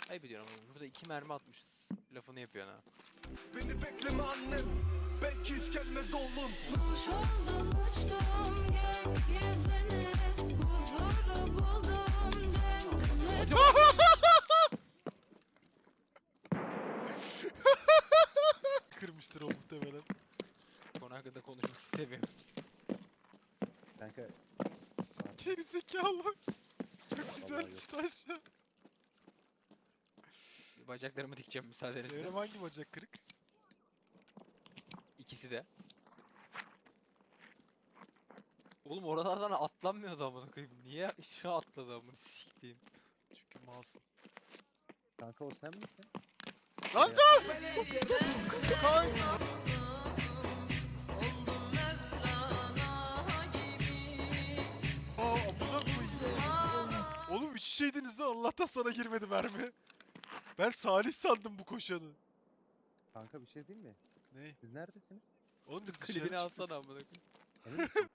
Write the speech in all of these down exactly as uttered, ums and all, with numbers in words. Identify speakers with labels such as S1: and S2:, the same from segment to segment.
S1: Ayıp ediyorum ama burada iki mermi atmışız. Lafını yapıyorsun ha.
S2: Beni bekleme annem, belki hiç gelmez oğlum.
S3: Kuş oldum uçtum gökyüzüne, huzuru buldum döndüm.
S4: Kırmıştır o muhtemelen.
S1: Konu hakkında konuşmak istemiyorum.
S5: Kanka
S4: Geri zekalı. Çok güzel
S5: Vallahi
S4: düştü aşağı.
S1: Bacaklarımı dikeceğim müsaadenizle.
S4: Evrim hangi bacak kırık?
S1: İkisi de. Oğlum oralardan atlanmıyordu amına koyayım. Niye şu atladı amına siktiğim.
S4: Çünkü malsın.
S5: kanka o sen misin?
S4: Lan Aa amına koyayım. Oğlum üç şeydiniz lan, Allah'tan sana girmedi mermi. Ben Salih sandım bu koşanı.
S5: Kanka bir şey diyeyim mi?
S4: Ne?
S5: Siz neredesiniz?
S4: Oğlum biz dışarı
S1: Klibini
S4: çıktık.
S1: alsana amına koyayım.
S5: Emin misin?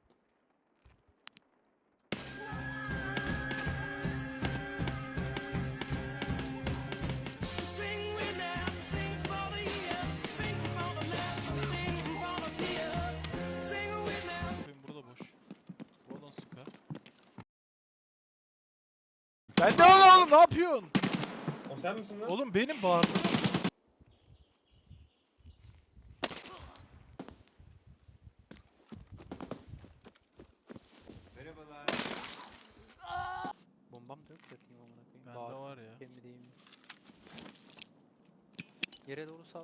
S4: Bakayım burada boş. Oradan sıka. Ben de lan oğlum, ne yapıyorsun?
S6: O sen misin lan?
S4: Oğlum benim bağırdım.
S6: Merhabalar.
S1: Bombam da yok yatayım amına koyayım.
S4: Bende
S1: Bağırsın,
S4: var ya.
S1: sikeyim mi değil mi? Yere doğru sal.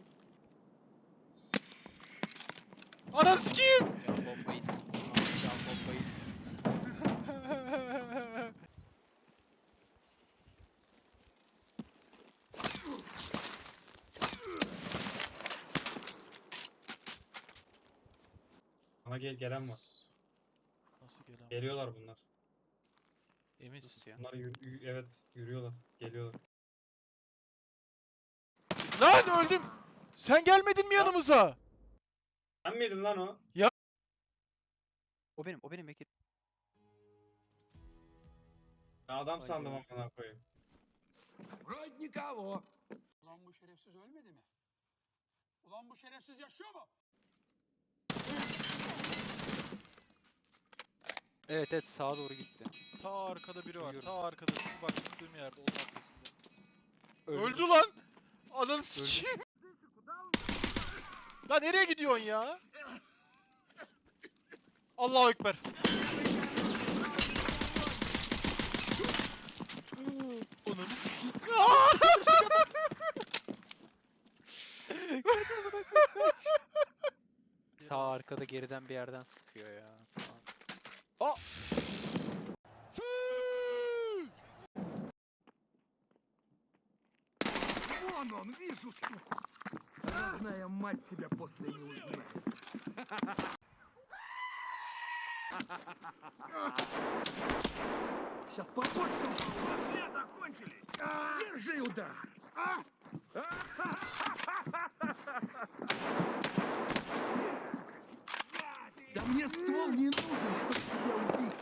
S4: Ananı sikeyim!
S1: Ya bombayı s- Ya bombayı s-
S6: Ama gel gelen var.
S4: Nasıl gelen?
S6: Geliyorlar bunlar.
S4: Eminsin.
S1: Nasıl ya?
S6: Bunlar yürü- yürü- evet yürüyorlar. Geliyorlar.
S4: Lan öldüm! Sen gelmedin mi yanımıza?
S6: Sen miydin lan o?
S1: O benim, o benim Bekir.
S6: Ben adam
S1: Vay
S6: sandım
S1: be.
S6: amına koyayım.
S7: Вроде никого. Ulan bu şerefsiz ölmedi mi? Ulan bu şerefsiz yaşıyor mu?
S1: Evet evet sağa doğru gitti.
S4: Ta arkada biri var.
S1: Duyuyorum.
S4: Ta arkada. Şu bak sıktığım yerde. Onun arkasında.
S1: Öldü.
S4: Öldü lan! Ananı sikeyim! Lan nereye gidiyorsun ya? Allahu Ekber. Onun.
S1: Sağ arkada geriden bir yerden sıkıyor ya. Aa!
S7: Вон он, вижу, сука. Родная мать тебя после не узнает. Сейчас по почкам. Свет окончили. Держи удар. А? Да мне ствол не нужен, чтобы тебя убить.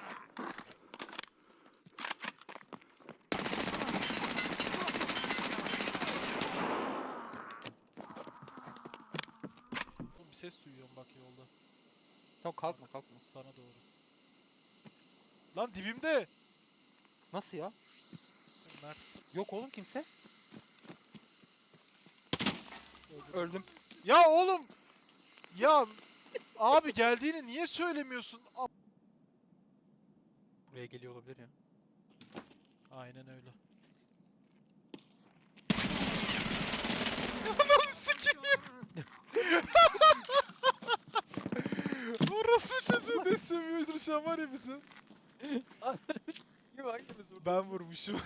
S4: Oğlum bir ses duyuyorum bak yolda.
S1: Tamam kalkma kalkma.
S4: Sana doğru. Lan dibimde.
S1: Nasıl ya?
S4: Mert.
S1: Yok oğlum kimse. Öldüm.
S4: Ya oğlum. Ya abi geldiğini niye söylemiyorsun? A-
S1: Buraya geliyor olabilir ya.
S4: Aynen öyle. Ananı sikeyim. Orası çocuğu ne sövüyordur şu an var ya bizi.
S1: Kim hangimiz vurdu?
S4: Ben vurmuşum.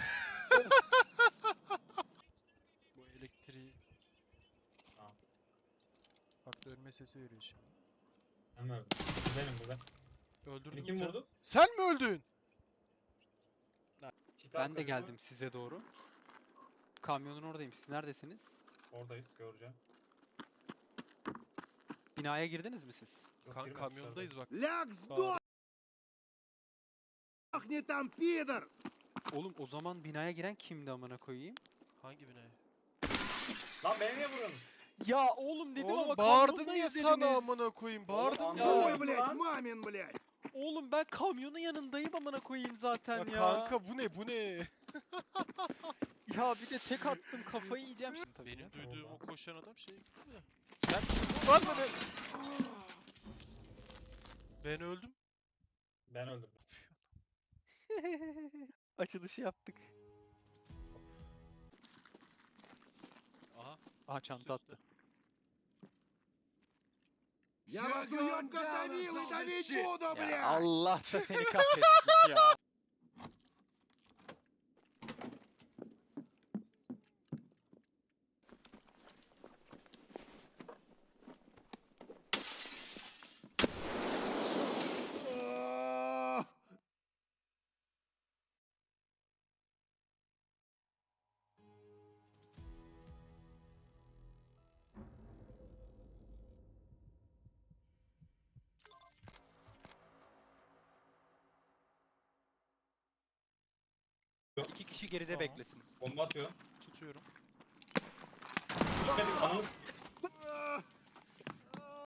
S4: Bu elektriği...
S6: Tamam.
S4: Bak dönme sesi veriyor şimdi.
S6: Ben mi öldüm? Bu benim bu ben.
S4: Öldürdüm
S6: Beni kim
S4: bir tane.
S6: vurdu?
S4: Sen mi öldün?
S6: Çit
S1: Ben de
S6: arkası mı?
S1: geldim size doğru. Kamyonun oradayım. Siz neredesiniz?
S6: Oradayız göreceğim.
S1: Binaya girdiniz mi siz?
S6: Yok,
S4: Kan
S6: girmedik
S4: kamyondayız bak.
S7: Ляг,
S4: Bağır.
S7: сдохни там, пидор!
S1: Oğlum o zaman binaya giren kimdi amına koyayım?
S4: Hangi binaya?
S6: Lan beni niye vuruyorsun?
S1: Ya oğlum dedim
S4: Oğlum
S1: ama
S4: bağırdım ya
S1: kamyondayız
S4: sana
S1: dediniz.
S4: amına koyayım. Bağırdım
S6: Oğlum,
S4: ya.
S6: anlamadım.
S7: Ой, блядь,
S6: Lan.
S7: мамин, блядь.
S1: Oğlum ben kamyonun yanındayım amına koyayım zaten
S4: Ya
S1: ya.
S4: kanka bu ne bu ne?
S1: Ya bir de tek attım kafayı yiyeceğim şimdi tabii.
S4: Benim
S1: ya.
S4: duyduğum o
S6: Oldu.
S4: koşan adam şey gibi de. Sen misin bu lan beni? Ben öldüm.
S6: Ben öldürdüm.
S1: Açılışı yaptık.
S4: Aha.
S1: Aha çanta
S4: üstte.
S1: attı.
S7: Я вас уёбка давил и давить буду,
S1: Ya
S7: блядь.
S1: Allah da seni kahretsin ya.
S7: О,
S1: İki kişi geride
S4: Tamam.
S1: beklesin.
S6: Bomba atıyor.
S4: Tutuyorum.
S6: Gitmedik ananı s-
S7: а,